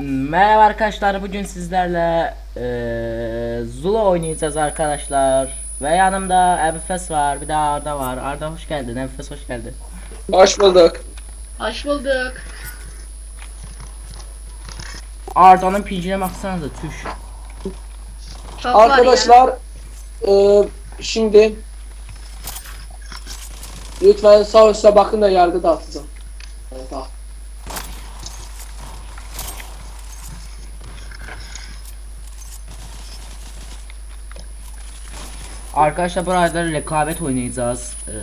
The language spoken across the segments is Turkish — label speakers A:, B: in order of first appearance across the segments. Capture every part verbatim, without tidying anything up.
A: Merhaba arkadaşlar, bugün sizlerle eee Zula oynayacağız arkadaşlar. Ve yanımda Ebufes var, bir de Arda var. Arda hoş geldin, Ebufes hoş geldin.
B: Hoş bulduk.
C: Hoş bulduk.
A: Arda'nın pincine baksanıza, tüş.
C: Çok var ya.
B: Arkadaşlar e, şimdi lütfen sağ üstte bakın da yargı dağıtacağım. Evet, ah.
A: Arkadaşlar burada rekabet oynayacağız. Eee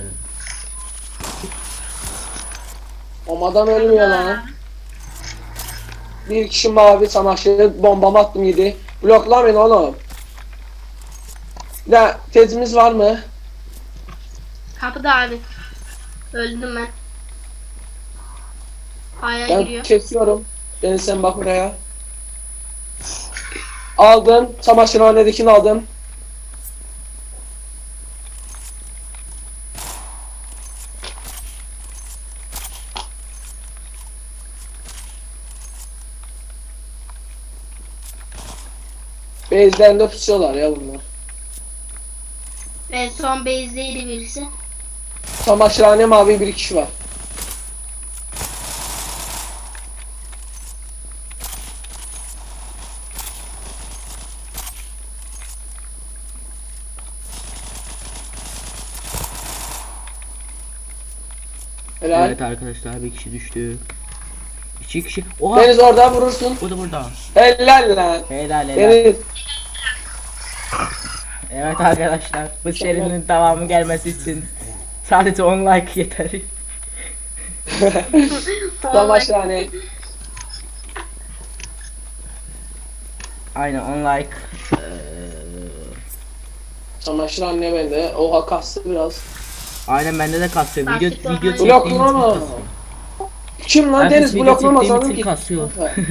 B: O adam ölmüyor lan. Bir kişi mavi çamaşırı bombama attım yedi. Bloklamayın oğlum. Bir de tezimiz var mı?
C: Kapıda abi. Öldüm ben. Aya
B: Ben
C: giriyor.
B: kesiyorum. Deniz sen bak buraya. Aldım. Çamaşırhanedekini aldım. Bezlerinde pusuyorlar ya bunlar.
C: En son base'deydi birisi.
B: Çamaşırhane mavi bir kişi var. Helal.
A: Evet arkadaşlar, bir kişi düştü. İki kişi. Oha!
B: Deniz orada vurursun.
A: Bu da burada.
B: Helal lan.
A: Helal helal.
B: Deniz.
A: Evet arkadaşlar, bu serinin devamı gelmesi için sadece on like yeter.
B: Çamaşırhane.
A: Aynen on like. Eee,
B: Çamaşırhane bende. Oha kastı biraz.
A: aynen bende de kasıyor. Video
C: Lastik
A: video
C: olmayı-
A: çektiğim için
B: Bloklama.
A: kasıyor.
B: Kim lan
A: Herkes
B: Deniz
A: video
B: bloklama
A: çektiğim
B: sanırım
A: için
B: ki.
A: kasıyor.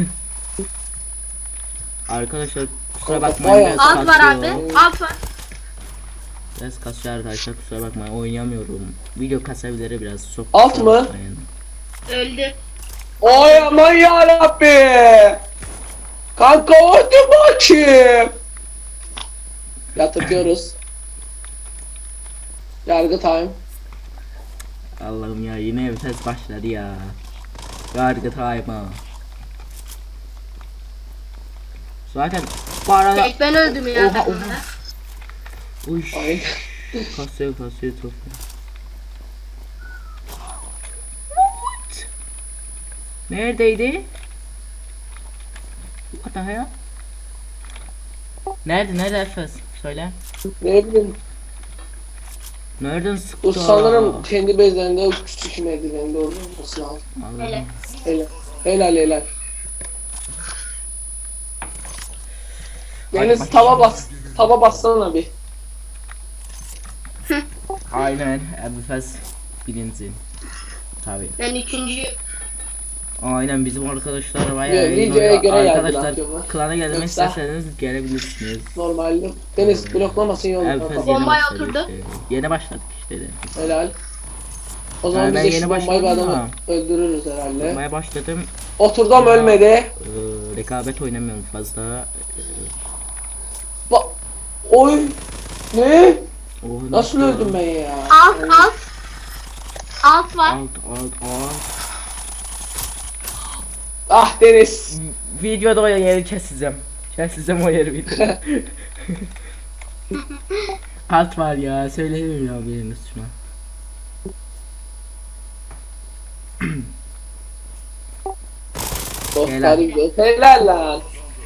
A: Arkadaşlar kusura
B: Kanka,
A: bakmayın,
B: bayağı-
A: biraz
C: Alt var abi.
A: kasıyor.
C: Alt var.
A: Biraz kasıyor arkadaşlar, kusura bakmayın, oynayamıyorum. Video kasabilir biraz, çok
B: Alt
A: kusura
B: mı?
A: bakmayın.
C: Öldü.
B: Oy aman yarabbi. Kanka hadi bakayım. Yatırıyoruz. Yargı time.
A: Allah'ım ya, yine vites başladı ya. Yargı time ha. Zaten bu arada
C: Tek ben öldüm ya
A: Oha,
C: takımda.
A: oha. Uy,
B: Ay.
A: kasıyor kasıyor çok. Neredeydi? What the hell? Nerede nerede Efes? Söyle.
B: Ne bileyim.
A: Nereden sıktı?
B: Bu sanırım kendi bezlerinde küçük merdiveninde olması lazım.
C: Hele.
A: Allah'ım.
B: Helal. Helal helal.
A: Hadi
B: Deniz
A: bakayım.
B: tava bas. Tava bassana bir.
A: Aynen Efes birinci. Tabii.
C: Ben üçüncüyüm.
A: Aynen bizim arkadaşlar bayağı
B: Yo,
A: iyi
B: videoya
A: oynuyor.
B: göre
A: Arkadaşlar
B: yargılatıyorlar.
A: klana gelmek
B: Yoksa-
A: isterseniz gelebilirsiniz.
B: Normalde. Deniz bloklamasın yolu.
A: Efes
B: kanka.
A: yeni
C: Bombaya
A: başladı
C: oturdu.
A: işte. Yeni başladık işte de.
B: Helal. O zaman
A: Ha, ben
B: biz de
A: yeni
B: şu bombayı bir
A: başladım
B: adamı
A: ama.
B: öldürürüz herhalde.
A: Yapmaya başladım.
B: Oturdum ölmedi.
A: Ee, rekabet oynamıyorum fazla. Ee,
B: Ba Oy. Ne?
A: oh,
B: Nasıl öldüm ben ya?
C: Alt alt. Alt var.
A: Alt alt alt.
B: Ah Deniz.
A: Videoda o yeri keseceğim. Keseceğim o yeri videoda. Alt var ya, söyleyemiyorum ya biriniz şuna.
B: Dostlar gidiyor. Helal lan.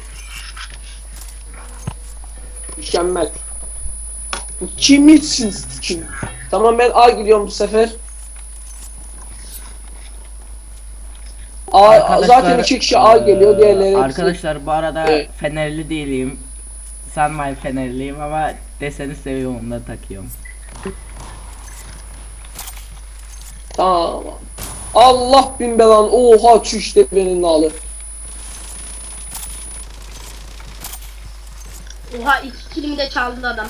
B: Mükemmel. Bu kim için kim? Tamam ben A gidiyorum bu sefer. A,
A: Arkadaşlar,
B: zaten iki kişi A geliyor, diğerleri hepsi-
A: Arkadaşlar bu arada
B: Evet.
A: Fenerli değilim. Sanmayın Fenerliyim ama deseni seviyorum, ondan takıyorum.
B: Tamam. Allah bin belan. Oha şu işte benim nalı.
C: Oha iki kilimi de çaldı adam.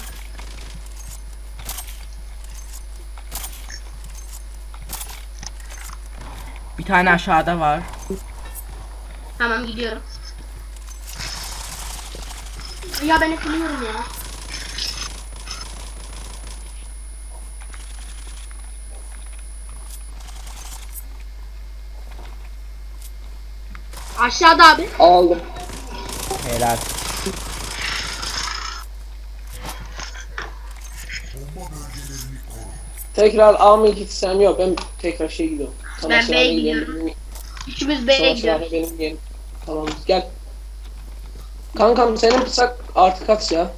A: Bir tane aşağıda var.
C: Tamam gidiyorum. Ya ben ekliyorum ya. Aşağıda abi.
B: Aldım.
A: Helal.
B: Tekrar A mı gitsem yok, ben tekrar şey gidiyorum. Savaşçılara
C: B'ye
B: gidelim.
C: gidiyorum. Üçümüz B'ye
B: Savaşçılara
C: gidiyoruz.
B: benim yerim. Tamam gel. Kankam senin bıçak artı kaç ya?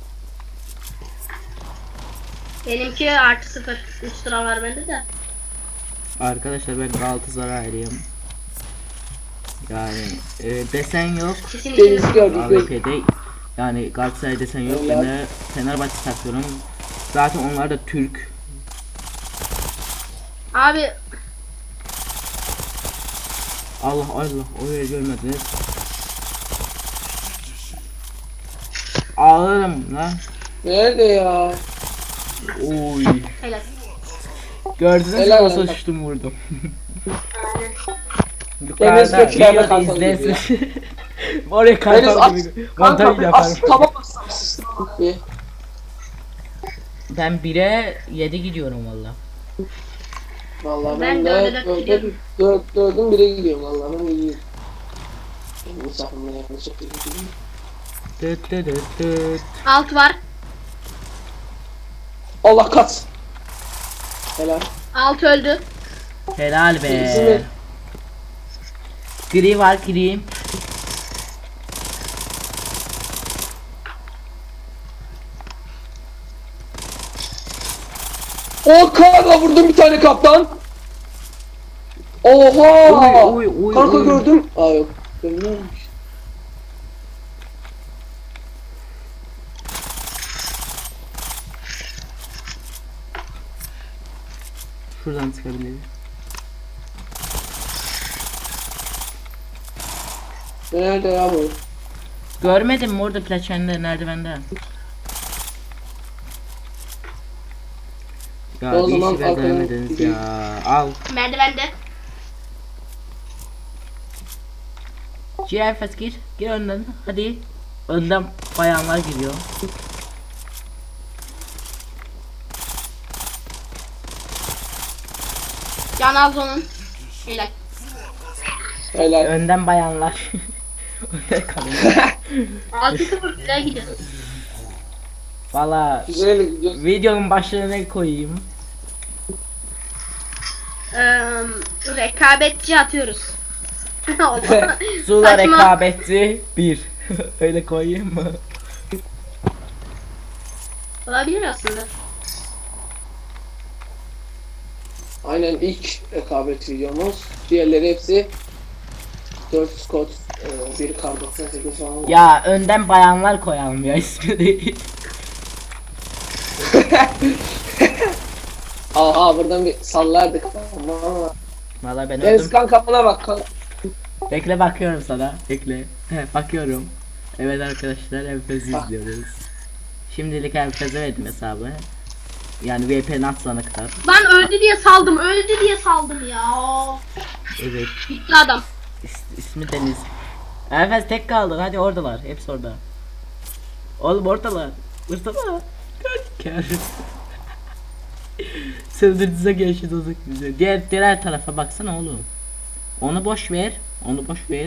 C: Benimki artı sıfır. üç sıra var bende de.
A: Arkadaşlar ben Galatasaraylıyım. Yani e, desen yok.
C: Kesin
B: Deniz
C: ikimiz.
B: gördük.
A: A V P'de yani Galatasaray desen yok. Ben de Fenerbahçe takıyorum. Zaten onlar da Türk.
C: Abi
A: Allah Allah oraya görmediniz. Ağlarım lan.
B: Nerede ya?
A: Oy.
C: helal.
A: Gördünüz mü
B: Helal
A: nasıl
B: olsun.
A: uçtum vurdum.
B: Deniz
A: Yukarıda
B: Gökçeler'de
A: videoda
B: kalkalım gibi
A: izlesin. Oraya
B: Deniz
A: kalkalım
B: at.
A: gibi montaj
B: Kankam
A: yaparım.
B: as taba bassam sistem bir.
A: Ben bire yedi gidiyorum valla.
B: Vallahi
C: Ben
B: ben,
C: dörde
B: de
C: dört
B: dörde
C: gidiyorum.
B: dört dördün bire gidiyorum vallahi ben gidiyorum. Benim misafirime yanlış yapıyorum.
A: Dıt dıt dıt dıt.
C: Alt var.
B: Allah kat. Helal.
C: Alt öldü.
A: Helal
B: İkisi
A: be.
B: mi?
A: Gri var gri.
B: O kanka vurdum bir tane kaptan. Oha!
A: Oy, oy, oy,
B: Kanka
A: oy.
B: gördüm. Aa yok. Görmüyormuş.
A: Şuradan çıkabiliriz.
B: Nerede ya bu?
A: Görmedim mi orada plaçende merdivende? Ya
B: O
A: bir
B: zaman
A: işi
B: arkadan
A: beceremediniz
B: gideyim.
A: ya. Al.
C: Merdivende.
A: Cihafet gir. Gir önden. Hadi. Önden bayanlar giriyor.
C: Can az onun. Helal.
B: Helal.
A: Önden bayanlar. Önden kalıyor.
C: altı sıfır güzel gidiyor.
A: Valla
B: Güzel gidiyor.
A: videonun başlığına ne koyayım?
C: Ee, rekabetçi atıyoruz.
A: Zula
C: Saçma.
A: rekabeti bir. Öyle koyayım mı?
C: Olabilir aslında.
B: Aynen ilk rekabet videomuz. Diğerleri hepsi dört Scott, e, bir kar doksan sekiz falan.
A: Ya önden bayanlar koyalım ya ismi değil.
B: Aha buradan bir sallardık. Ama.
A: Valla ben
B: Deniz
A: öldüm.
B: kanka bana bak kanka.
A: Bekle bakıyorum sana. Bekle. He, bakıyorum. Evet arkadaşlar Enfez'i izliyoruz. Şimdilik Enfez'e verdim hesabı. Yani V P N atılana kadar.
C: Ben öldü diye saldım. Öldü diye saldım ya.
A: Evet.
C: Bitti adam.
A: is- ismi Deniz. Enfez tek kaldı. Hadi oradalar. Hepsi orada. Oğlum oradalar. Oradalar. Kör. Sığdırdıza geçti dozuk bize. Diğer diğer tarafa baksana oğlum. Onu boş ver. Onu boş ver.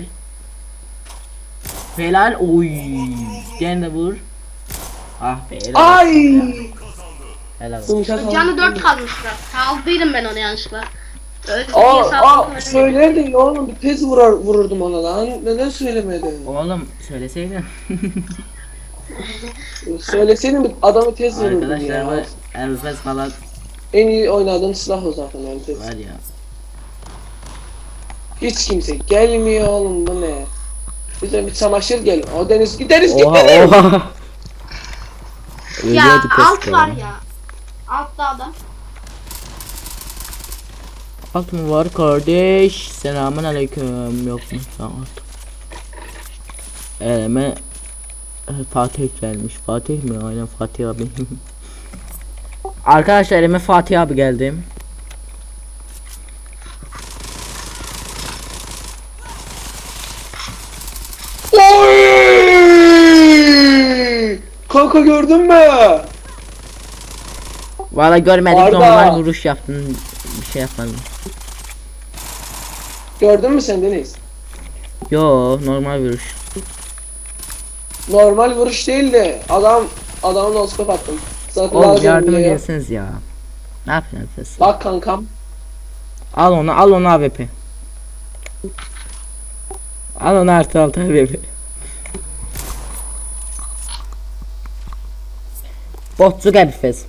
A: Helal. Oy. Gene de vur. Ah be. Helal.
B: Ay!
A: Helal olsun.
B: Yumuşak oldu.
C: Canı dört kalmışlar. Saldıydım ben onu yanlışlıkla. Öldü
B: Aa,
C: diye saldım.
B: aa söylerdin ya oğlum bir tez vurar, vururdum ona lan. Neden söylemedin?
A: Oğlum söyleseydin.
B: Söyleseydin bir adamı tez vururdum
A: Arkadaşlar
B: ya.
A: bu Enfez falan
B: En iyi oynadığım silah o zaten yani tez.
A: var ya.
B: Hiç kimse gelmiyor oğlum bu ne? Bize bir çamaşır gel. O Deniz gideriz
A: Oha
B: gideriz.
A: oha.
C: Ya
A: Ölüyordu
C: alt
A: keşke
C: var
A: ya.
C: ya. Altta adam.
A: Alt mı var kardeş? Selamun aleyküm. Yok mu? Tamam. Eleme e, Fatih gelmiş. Fatih mi? Aynen Fatih abi. Arkadaşlar elime Fatih abi geldi.
B: kanka gördün mü?
A: Valla görmedik,
B: Arda.
A: normal vuruş yaptın. Bir şey yapmadın.
B: Gördün mü sen Deniz?
A: Yo, normal vuruş.
B: Normal vuruş değil de adam adamın noskop attım. Zaten
A: Oğlum
B: lazım
A: yardıma
B: diye.
A: gelseniz ya. Ne yapıyorsunuz?
B: Bak kankam.
A: Al onu, al onu A W P. Al onu artı altı A W P. Botçuk Ebifez.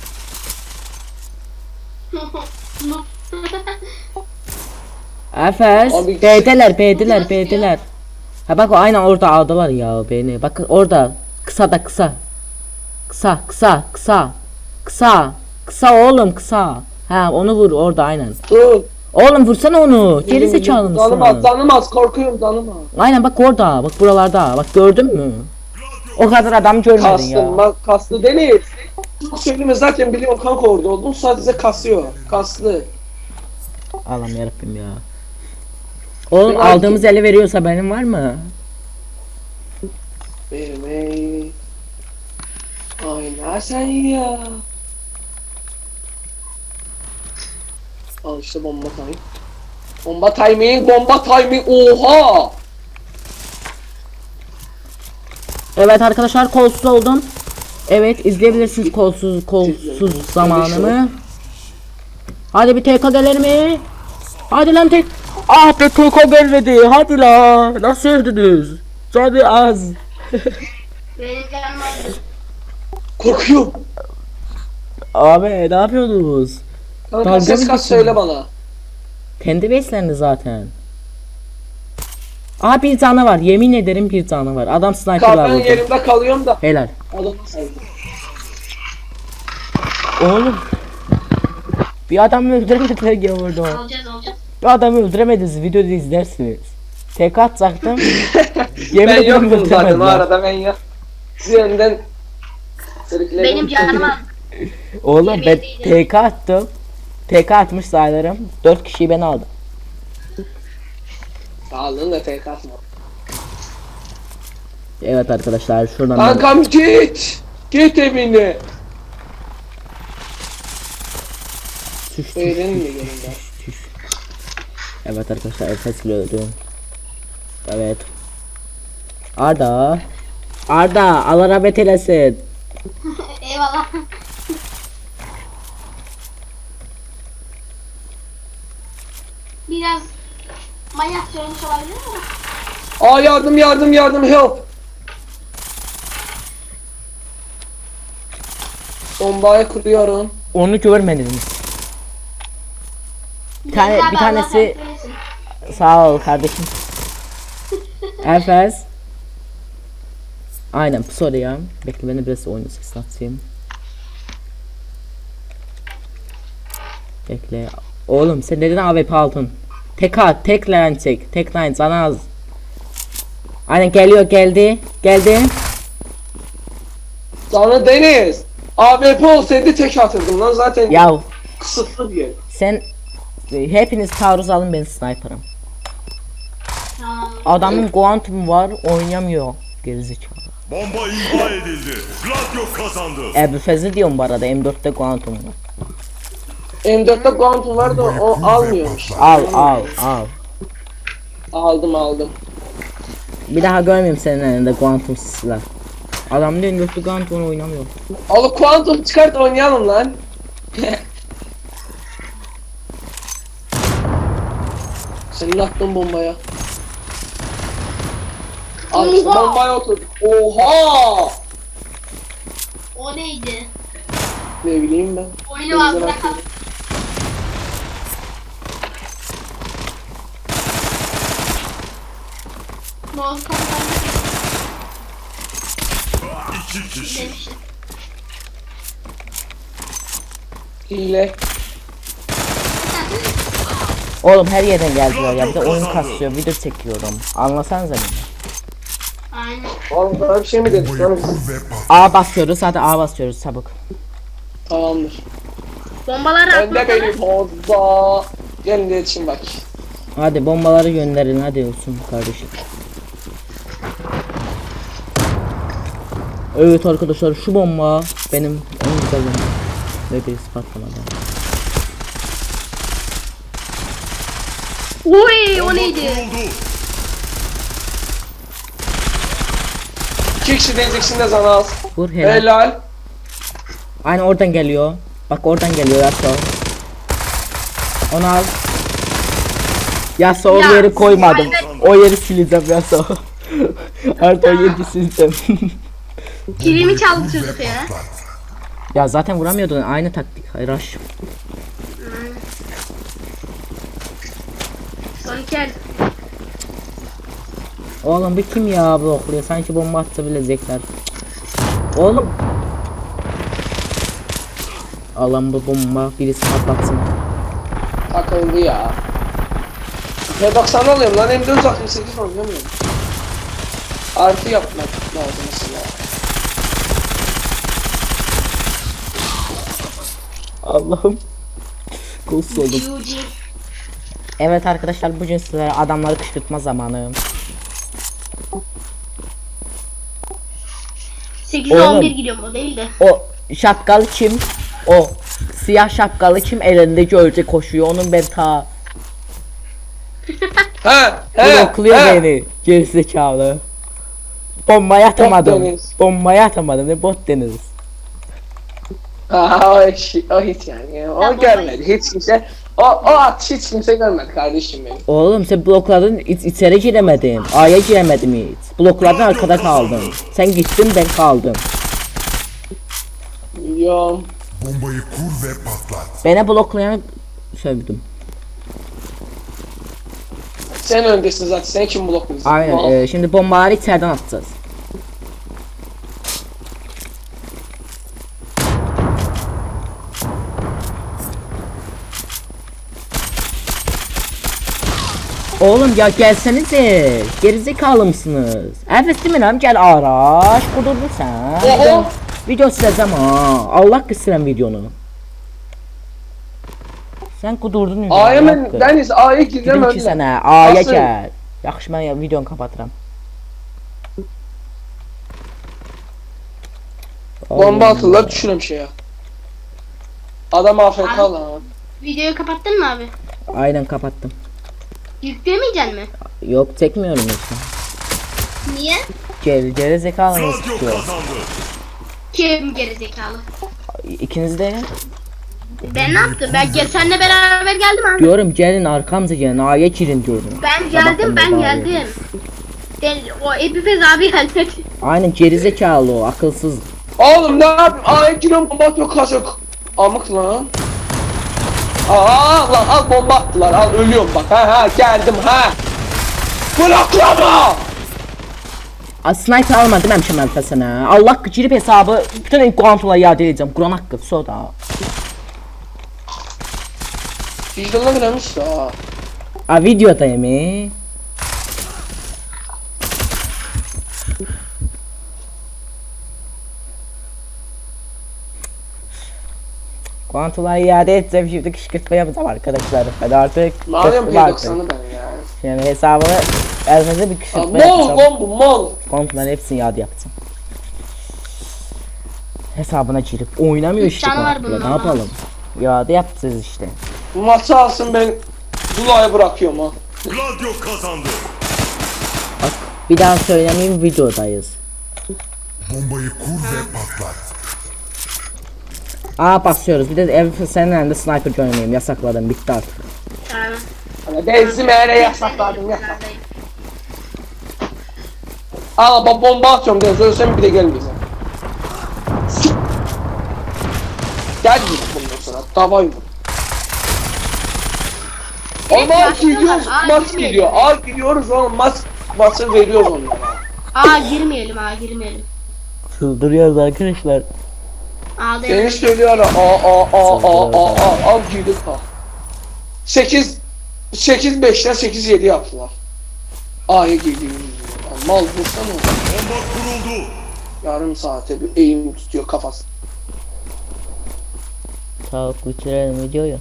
A: Efes.
B: Abi-
A: B'deler, B'deler, B'deler. Ha bak o aynen orada aldılar ya beni. Bak orada. Kısa da kısa. Kısa, kısa, kısa. Kısa. Kısa oğlum kısa. Ha onu vur orada aynen.
B: Dur.
A: Oğlum vursana onu. Geri zekalı mısın?
B: Tanımaz, tanımaz, korkuyorum tanımaz.
A: Aynen bak orada. Bak buralarda. Bak gördün mü? O kadar adam görmedin
B: Kastım,
A: ya.
B: bak kaslı Deniz. Söyleme zaten biliyorum kanka orada oldun sadece kasıyor. Kaslı.
A: Allah'ım yarabbim ya. Oğlum
B: Ben
A: aldığımız ele veriyorsa benim var mı?
B: Vermeyi. Aynen sen ya. Al işte bomba timing. Bomba timing, bomba timing. Oha!
A: Evet arkadaşlar kolsuz oldum. Evet izleyebilirsiniz kolsuz kolsuz zamanımı. Hadi bir T K gelir mi? Hadi lan tek. Ah be T K gelmedi. Hadi la. Nasıl öldünüz? Canı az.
C: Benim canım vardı.
B: Korkuyorum.
A: Abi ne yapıyorsunuz?
B: Kanka
A: Dalga
B: ses
A: mı
B: kas
A: geçiyorsun?
B: söyle bana.
A: Kendi beslendi zaten. Aa bir tane var. Yemin ederim bir tane var. Adam sniper'la
B: Kahvenin
A: vurdu.
B: yerimde kalıyorum da.
A: Helal.
B: Adam saydı.
A: Oğlum. Bir adamı öldüremediler ya orada.
C: Alacağız alacağız.
A: Bir adamı öldüremediniz. Videoda izlersiniz. Tek atacaktım. Yemin
B: Ben
A: ederim
B: yoktum zaten o
A: öldüremediler.
B: arada ben ya. Üzerinden sırıklaydım.
C: Benim canım az.
A: Oğlum ben
C: Yemin
A: T K attım. T K atmış saylarım. dört kişiyi ben aldım.
B: Sağlığın da tek atma.
A: Evet arkadaşlar şuradan ben...
B: Kankam git. Git evine.
A: Tüş, tüş,
B: Beğenin mi
A: tüş,
B: gelin ben?
A: tüş, tüş. Evet arkadaşlar Efes'le öldüm. Evet. Arda. Arda Allah rahmet eylesin.
C: Eyvallah. Biraz manyak söylemiş olabilir mi?
B: Aa yardım yardım yardım help. Bombayı kuruyorum.
A: Onu görmediniz. Bir tane
C: Deniz abi,
A: bir
C: Allah
A: tanesi
C: rahmet eylesin.
A: sağ ol kardeşim. Efes. Aynen bu soru ya. Bekle beni biraz oyunu sesini atayım. Bekle. Oğlum sen neden A W P aldın? Tek at, tek line çek. Tek line sana az. Aynen geliyor geldi. Geldi.
B: Sana Deniz. A W P olsaydı tek atırdım lan zaten
A: Yav
B: kısıtlı diye.
A: sen e, hepiniz taarruz alın ben sniper'ım.
C: Tamam.
A: Adamın Quantum var oynamıyor. Gerizekalı.
D: Bomba imha edildi. Gladio kazandı.
A: Ebu Fez'i diyorum bu arada M dörtte Quantum var.
B: M dörtte Quantum vardı o almıyormuş.
A: Al al al.
B: Aldım aldım.
A: Bir daha görmeyeyim senin elinde Quantum silah. Adam diyor M dörtte Quantum oynamıyor.
B: Al Quantum çıkart oynayalım lan. Senin attığın bombaya. Al işte
C: Oha!
B: bombaya otur. Oha!
C: O neydi?
B: Ne bileyim ben.
C: Oyunu var
B: Denizden
C: bırakalım.
B: atıyor.
C: Mouse kapıdan
D: İki kişi.
C: demiştim.
B: Hile.
A: Oğlum her yerden geldiler ya bir de oyun kasıyor video çekiyorum. Anlasanıza beni.
C: Aynen.
B: Oğlum sana bir şey mi dedik lan biz?
A: A basıyoruz hadi A basıyoruz çabuk.
B: Tamamdır.
C: Bombaları
B: Önde
C: atmasana.
B: benim orada. Gelin de yetişin bak.
A: Hadi bombaları gönderin hadi olsun kardeşim. Evet arkadaşlar şu bomba benim en güzel bombam. Ve birisi patlamadı.
C: Oy o
D: Bomba
C: neydi?
D: kuruldu.
B: İki kişi deneyeceksin de sana az.
A: Vur helal.
B: Helal.
A: Aynı oradan geliyor. Bak oradan geliyor Yasuo. Onu al. Yasuo o
C: Ya,
A: yeri koymadım.
C: evet.
A: O yeri sileceğim Yasuo. Artık o yeri sileceğim.
C: Kilimi çaldı çocuk ya.
A: Ya zaten vuramıyordun aynı taktik. Hayır rush.
C: Son iki el.
A: Oğlum bir kim ya blokluyor? Sanki bomba atsa bilecekler. Oğlum. Alan bu bomba birisi patlatsın.
B: Takıldı ya. Ne bak sana alıyorum lan M dört altmış sekiz oynayamıyorum. Artı yapmak lazım mesela.
A: Allah'ım. Kolsuz oldum.
C: Yuji.
A: Evet arkadaşlar bugün sizlere adamları kışkırtma zamanı.
C: sekiz
A: Oğlum.
C: on bir gidiyorum o değil de.
A: O şapkalı kim? O siyah şapkalı kim elindeki ölçe koşuyor onun ben ta
B: Ha, he,
A: blokluyor
B: he.
A: beni gerizekalı. Bombayı atamadım.
B: deniz.
A: Bombayı atamadım ne bot deniz.
B: Ha, o, eşi, o hiç yani. O
C: Tamam,
B: görmedi hiç kimse. O, o at hiç kimse görmedi kardeşim benim.
A: Oğlum sen blokladın iç, içeri giremedin. A'ya giremedim hiç. Blokladın arkada kaldım. Sen gittin ben kaldım.
B: Biliyorum.
D: Bombayı kur ve patlat.
A: Beni bloklayanı sövdüm.
B: Sen öndesin zaten. Sen kim blokluyorsun?
A: Aynen
B: Mal.
A: e, şimdi bombaları içeriden atacağız. Oğlum ya gelsenize. Gerizekalı mısınız? Evet değil mi lan? Gel araç. Kudurdun sen. Video, video sileceğim ha. Allah kısıran videonu. Sen kudurdun ya.
B: A'ya
A: ne
B: ben
A: yaptın?
B: Deniz A'ya gireceğim
A: Dedim ki
B: önüne.
A: sana A'ya
B: Asıl.
A: gel. Yaxşı ben ya videonu kapatıram.
B: Bomba
A: Allah.
B: atırlar düşürüm şeye. Adam A F K lan.
C: Videoyu kapattın mı abi?
A: Aynen kapattım.
C: Yükleyemeyeceksin mi?
A: Yok çekmiyorum işte.
C: Niye?
A: Geri, geri zekalınız
D: Radyo
A: tutuyor.
D: kazandı.
C: Kim gerizekalı?
A: İkiniz de
C: Ben ne yaptım? Ben gel seninle beraber geldim abi.
A: diyorum gelin arkamıza gelin A'ya girin diyorum.
C: Ben geldim ben
A: Sabahtan beri
C: geldim. Ben, o Epipez abi gelmedi.
A: Aynen geri zekalı o akılsız.
B: Oğlum ne yapayım? A'ya giriyorum bomba atıyor kaçak. Amık lan. Aa lan al bomba attılar al ölüyorum bak ha ha geldim ha. Bıraklama.
A: A, sniper alma deməmişəm əlfə sənə. Allah girib hesabı bütün kuantumla iade edeceğim. Kur'an haqqı soda.
B: Vicdanına giremiş ya.
A: A videodayım. e. Kuantumla iade edeceğim şimdi kışkırtma yapacağım arkadaşlar. Hadi artık.
B: Ne yapayım
A: kışkırtma
B: P
A: artık.
B: doksanı ben ya.
A: Yani hesabını elinize bir
B: Aa,
A: kışkırtma
B: Mol
A: yapacağım.
B: lan bu mol.
A: Kuantumların hepsini iade yapacağım. Hesabına girip oynamıyor
C: Üç
A: işte
C: tane var
A: kuantumla.
C: bunun
A: Ne
C: ama.
A: yapalım? İade yapacağız işte.
B: Bu maçı alsın ben Zula'ya bırakıyorum ha.
D: Radyo kazandı.
A: Bak bir daha söylemeyeyim videodayız.
D: Bombayı kur ve patlat.
A: Aa basıyoruz. Bir de ev senin elinde sniper oynayayım. Yasakladım. Bitti artık.
C: Tamam.
B: Hani benzin eğre yasaklardım yasak. Al bak bomba atıyorum Deniz ölsem bir de gelmeyeceğim. Gel git bundan sonra davayım.
C: Evet,
B: Ama
C: başlıyorlar.
B: gidiyoruz
C: Aa,
B: maç
C: girmeyelim.
B: gidiyor. Aa gidiyoruz oğlum maç maçı veriyoruz onlara.
C: Aa girmeyelim aa girmeyelim.
A: Çıldırıyoruz arkadaşlar.
C: Aa
B: Deniz
C: değil.
B: söylüyor aa aa aa aa aa aa al girdik ha. sekiz sekiz beşten sekiz yedi yaptılar. A'ya girdiğimiz zaman. Mal vursana.
D: Bomba kuruldu.
B: Yarım saate bir eğim tutuyor kafası.
A: Tamam bitirelim videoyu.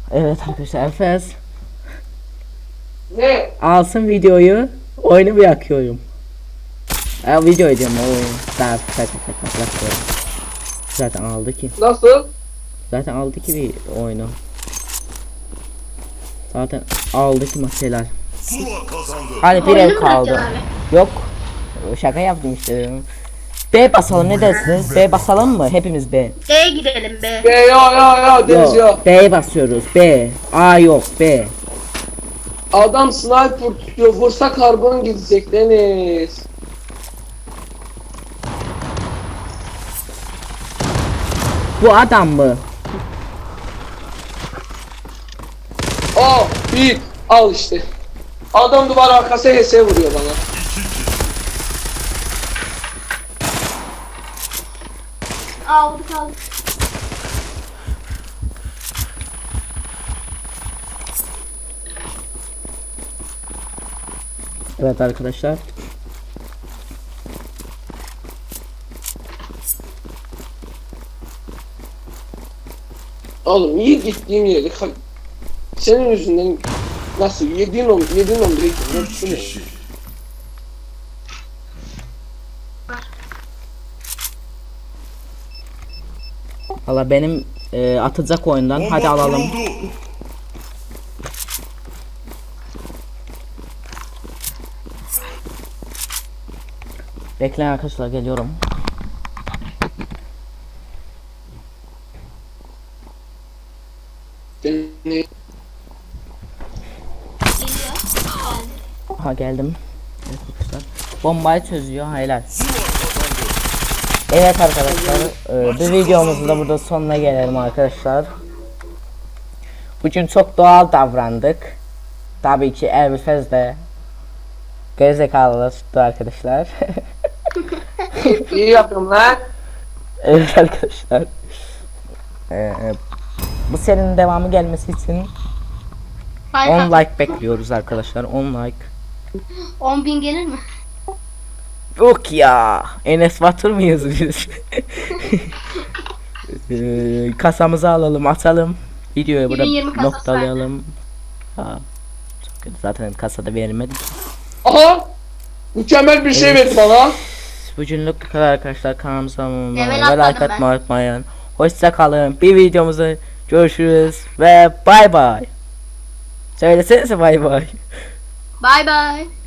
A: Evet arkadaşlar Efes
B: Ne?
A: alsın videoyu, oyunu bırakıyorum. Ya video ediyorum o oyun. Daha şaka şaka bırakıyorum. Zaten aldı ki.
B: Nasıl?
A: Zaten aldı ki bir oyunu. Zaten aldı ki maskeler.
D: Zula kazandı.
A: Hadi bir
C: Oyunu
A: ev
C: mu
A: kaldı.
C: bırakacaksın abi?
A: Yok. Şaka yaptım işte. B basalım ne dersiniz? B basalım mı? Hepimiz B.
C: D'ye gidelim be.
B: Be ya ya ya Deniz ya.
A: Yok. B'ye basıyoruz. B. A yok. B.
B: Adam sniper tutuyor. Vursa karbon gidecek Deniz.
A: Bu adam mı?
B: Aa bir al işte. Adam duvar arkası H S vuruyor bana.
C: Aldık aldık.
A: Evet arkadaşlar.
B: Oğlum iyi gittiğim yeri ka- senin yüzünden nasıl yediğin on yediğin on bire gittim.
D: Üç
B: Bu ne?
D: kişi.
A: Valla benim e, atacak oyundan.
D: Bomba
A: Hadi alalım.
D: kuruldu.
A: Bekleyin arkadaşlar geliyorum.
B: Deniz.
A: Ha geldim. Evet arkadaşlar. Bombayı çözüyor. Helal. Evet arkadaşlar. E, bir videomuzun da burada sonuna gelelim arkadaşlar. Bugün çok doğal davrandık. Tabii ki Elbifez de gerizekalılar tuttu arkadaşlar.
B: İyi yapıyorum lan.
A: Evet arkadaşlar. Ee, bu serinin devamı gelmesi için
C: Like
A: on
C: at.
A: like bekliyoruz arkadaşlar. on like.
C: on bin gelir mi?
A: Yok ya. Enes Batur muyuz biz? Ee, kasamızı alalım, atalım. Videoyu burada
C: iki bin yirmi kasası
A: noktalayalım. Ha. Çok kötü. Zaten kasada verilmedi.
B: Aha. Mükemmel bir şey verdi bana.
A: Bugünlük bu kadar arkadaşlar. Kanalımıza abone olmayı
C: Level
A: ve
C: atladım
A: like
C: ben.
A: atmayı unutmayın. Hoşça kalın. Bir videomuzda görüşürüz ve bay bay. Söylesenize bay bay.
C: Bye bye.